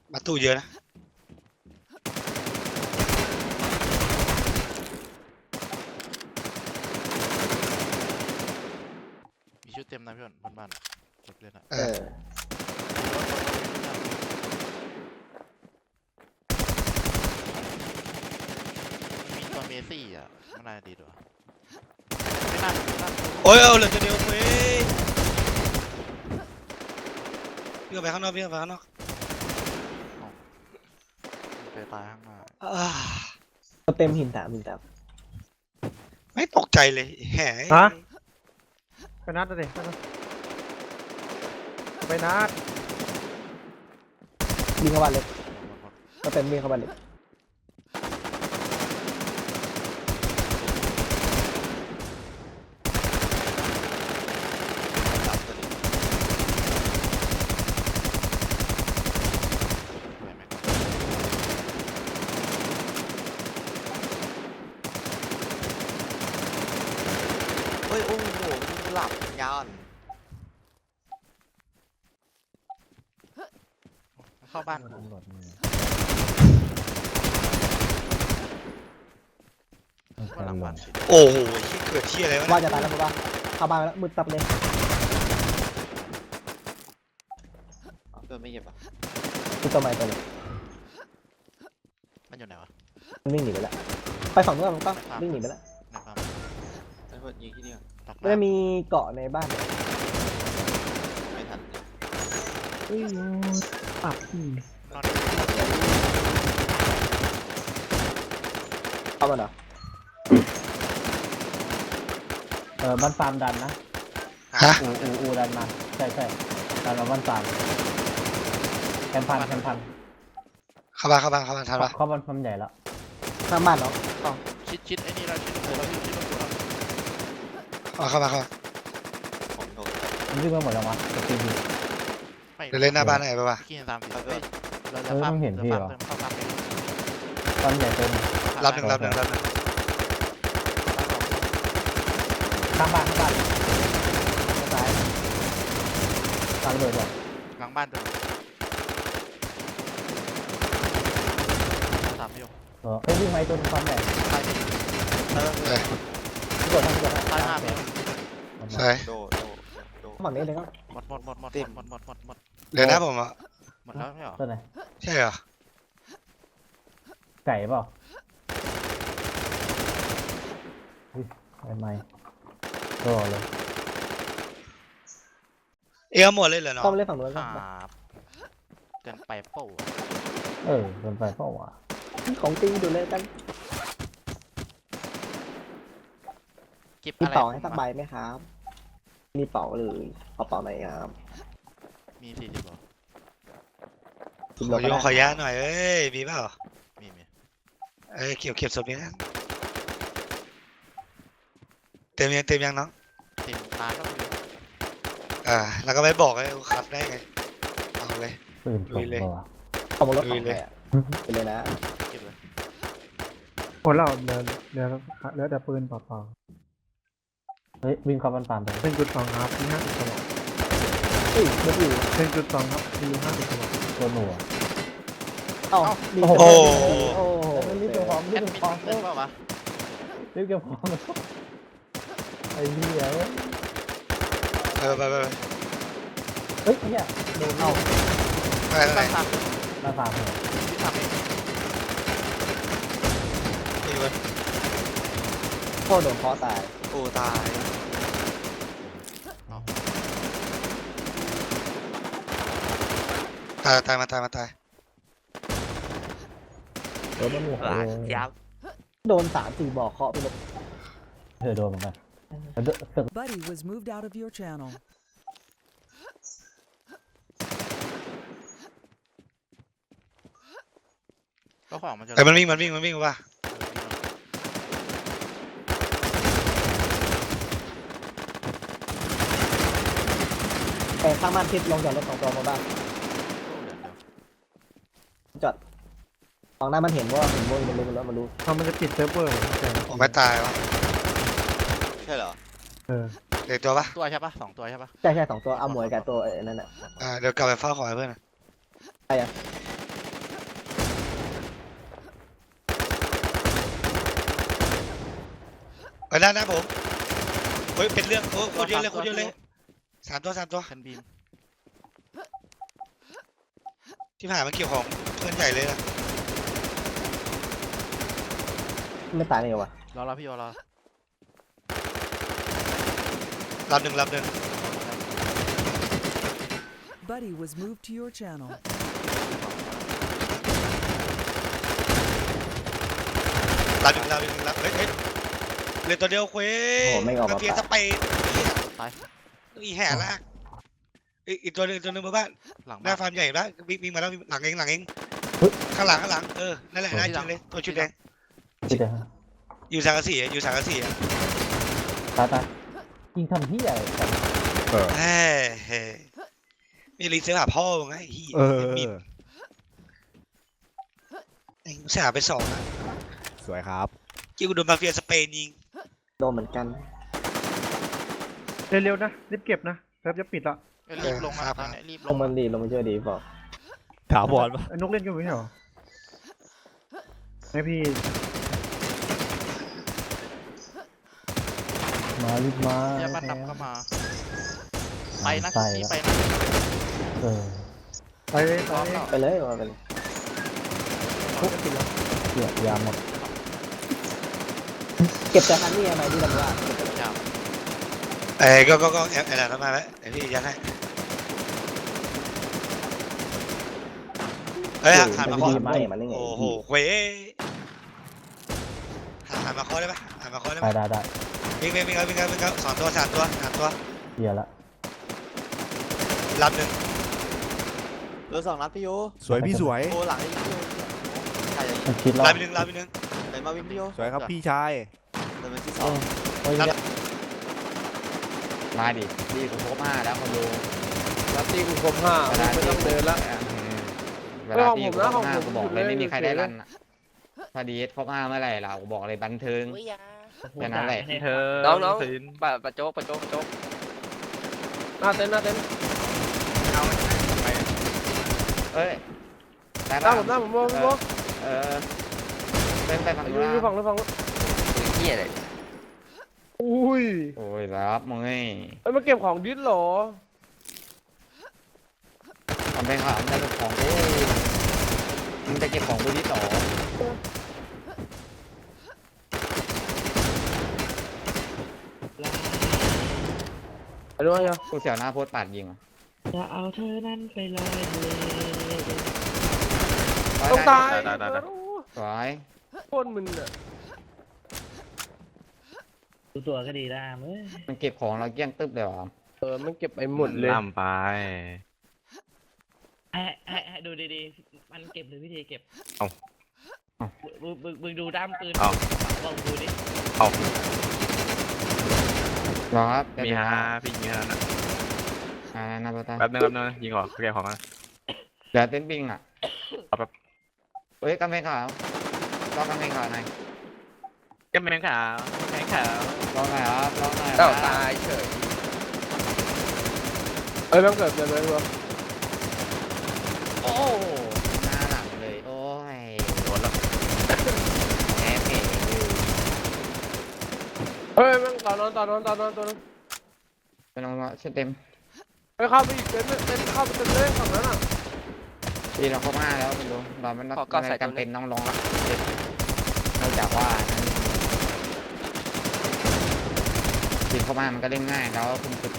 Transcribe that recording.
ประตูเยอะนะมีชุดเต็มนะพี่บนบ้านเก็บเลยนะมีตัวเมซี่อ่ะมันน่าดีด้วยไม่น่าโอ้ยเอาเหลือตัวเดียวเว้ยพี่ออกไปข้างนอกพี่ออกไปข้างนอกไปตายข้างหน้าเต็มหินถามไม่ตกใจเลยแหมฮะ ไปนัดเลยไปนัดวิ่งเข้าบ้านเลยก็เต็มวิ่งเข้าบ้านเลยเฮ้ยโอ้โหหลับยานเข้าบ้านก็หลังบ้านโอ้โหที่เกิดที่อะไรวะว่าจะตายแล้วมั้งเข้าบ้านแล้วมืดตับเลยเกิดไม่เก็บอ่ะคือตัวใหม่ตัวนี้มันอยู่ไหนวะมันวิ่งหนีไปแล้วไปฝั่งนู้นมันก็วิ่งหนีไปแล้วในฟาร์มไอ้พวกยิงที่นี่ไม่ได้มีเกาะในบ้านไม่ทันปับนอนเข้ามาเหรอบ้านฟาร์มดันนะฮะอูดันมาใช่ดันมาบ้านฟาร์มแคมพันเข้าบ้านทันปะเข้าบ้านฟาร์มใหญ่แล้วข้างบ้านเนาะชิดไอ้นี่เราชิดเราชิดเราเข้ามาผมโดนมันวิ่งมาหมดแล้ววะจะตีเดี๋ยวเล่นหน้าบ้านไหนไปวะขี้ตามผิดเราจะฟาร์มเติมเข้าฟาร์มฟาร์มใหญ่เต็มรับหนึ่งข้างบ้านซ้ายตามระเบิดก่อนหลังบ้านตัวสามไม่ยกวิ่งไปตัวฟาร์มใหญ่ตายดิที่กดทางที่กดตายห้าไม่ยกใช่โดฝั่งนี้เลยก็หมดเดี๋ยวนะผมอ่ะหมดแล้วไม่หรอตัวไหนใช่เหรอไก่เปล่าไม่ก็เลยหมดเลยเหรอเนาะต้องเล่นฝั่งนู้นคก็รับเกินไปเป้าโดนไฟเปล่าวะของตีดูเลยกันเก็บมีอะไรเป่าให้สักใบไหมครับมีเป่าเลยเอาเป่าไหนครับมี40บาทขอยาหน่อยเอ้ยมีเปล่ามีเก็บศพนี้นะเต็มยังน้องติดตาก็มีแล้วก็ไม่บอกเลยขับได้ไงเอาเลยปืนลุยเลยเอาบนรถของเลยไปเลยนะเก็บเลยหมดแล้วเหลือแต่ปืนเปล่าเฮ้ยวิ่งเข้าบ้านฟาร์มไปๆ1.2ครับมี50กระบอกเฮ้ยรถอยู่ 1.2ครับมี50กระบอกตัวหนูเอ้าโอ้โหรีบเก็บของแอดมินเล่นเปล่าวะรีบเก็บของไอ้เหี้ยไปเฮ้ยเนี่ยโดนเอาไปบ้านทบ้านฟาร์มำที่ทำเองนี่เว้ยโคตรโดนเคาะตายโอ้ตายตายมาตายโดนมันหัวยับโดน3-4บอกเคาะไปเลยโดนเหมือนกัน Buddy was moved out of your channel. ก็ของมันจะแต่มันวิ่งว่ะแต่ข้างบ้านทิศลงจากรถ2 ตัวมาบ้านจอดฝั่งหน้ามันเห็นว่าเห็นวงมันรู้มันจะปิดเซิร์ฟเวอร์เหรอแต่ผมไม่ตายวะใช่เหรอเด็กตัวปะตัวใช่ปะ2 ตัวใช่ปะใช่2 ตัวเอาหมวยกับตัวนั่นแหละเดี๋ยวกลับไปเฝ้าของเพื่อนใช่อะไปด้านหน้าผมเฮ้ยเป็นเรื่องโอ้โคตรเยอะเลยโคตรเยอะเลยสามตัวคันบีมที่ผ่านมาเกี่ยวของเพื่อนใหญ่เลยนะไม่ตายเลยว่ะรอพี่รอลำหนึ่ง Buddy was moved to your channel. ลำหนึ่งเฮ้ยเลยตัวเดียวเว้ยโอ้ไม่ออกมามาเฟียสเปนตายอีแห่ลากอีกตัวหนึงมาบ้านหลังหน้าบ้านฟาร์มใหญ่ปะวิ่งมาแล้วหลังเองข้างหลังนั่นแหละน่าจริงเลยตัวชุดแดงที่เดียวอยู่สังกะสีอะตายยิงทำที่อะไรกันเฮ้ยมีรีเซ็ตหาพ่อมึงไงเฮียมีไอ้เสียไป2อะสวยครับกิ้วโดนมาเฟียสเปนยิงโดนเหมือนกันเร็วๆนะรีบเก็บนะแป๊บจะปิดละรีบลงมาตอนนี้รีบลลงงมันดีลงมาช่วยดีบอกถาวรปะไอ้นกเล่นอยู่ไม่ใช่เหรอให้พี่มารีบมาเฮียบ้านดำเข้ามาไปนะใส่นี่ละไปนะเออไปเลยพร้อมไปเลยมาไปเลยเกี่ยยาหมดเก็บแต่คันนี้ไหมที่ลำว่าจับก็แอบทำมาแล้วไอ้พี่ยัดให้เฮ้ยหันมาไม่เคาะดีไม่มันได้ไงโอ้โหเว้ยหันมาเคาะได้ปะหันมาเคาะได้ปะได้วิ่งเอา2 ตัว 3 ตัวเกี่ยละลำหนึ่งเหลือ2 นัดพี่โยสวยพี่สวยโอ้หลังนี่พี่โยใครจะยิงมันคิดรอบลำหนึ่งไหนมาวิ่งพี่โยสวยครับพี่ชายเดินไปที่โอ้ 2 โอ้ยเนี่ยมาดิดีกูครบ5แล้วคนดูลัตตี้กูครบ5ไม่ต้องเดินละเวลาตีกูครบของผม 5 นะกูบอกเลยไม่มีใครได้เฉยๆรันอะพอดีครบ5เมื่อไหร่ล่ะกูบอกเลยบันเทิงแค่นั้นแหละน้องปะโจ๊กหน้าเต็นท์เอ้ยได้หน้าปะผมมองเออเป็นไปฝั่งอนู้ยู่นอยู่ฝั่งนู้นเหี้ยเลยอุ้ยโอ้ยรับมึงไงเอ้ยมาเก็บของดิสเหรอทำไปข่าวมันจะของกูมึงจะเก็บของกูที่ต่อไปด้วยยังกูเสียวหน้าโพสต์ปาดยิงอ่ะจะเอาเธอนั้นไปลอยทะเลต้องตายสวยโคตรมึนอ่ะดูตัวก็ดีได้เว้ยมันเก็บของเราเกลี้ยงตึ๊บเลยเหรอมันเก็บไปหมดเลยให้ดูดีๆ มันเก็บหรือวิธีเก็บเอามึงดูด้ามปืนเอาลองดูดิรอครับมีฮาพี่ยิงแล้วนะนาโปตาแป๊บนึงยิงออกเรียกของนะเดี๋ยวเต้นบิงอ่ะเอาแป๊บเฮ้ยกำแพงขาวรอกำแพงขาวหน่อยก็แมงขาวรอหน่อยครับรอหน่อยเอ้าตายเฉยเอ้ยมันเกิดเลยโอ้หน้าหลังเลยโอ้ยโดนแล้วแอบเก๋เฮ้ยมันตอนนั้นตัวนึงเป็นลงชุดเต็มไปเข้าไปอีกเต็นเข้าไปเต็มเลยฝั่งนั้นอ่ะทีเราเข้ามาแล้วไม่รู้เราไม่ต้องจำเป็นต้องลงแล้วนอกจากว่าทีมเข้ามามันก็เล่นง่ายแล้วคุณฝึก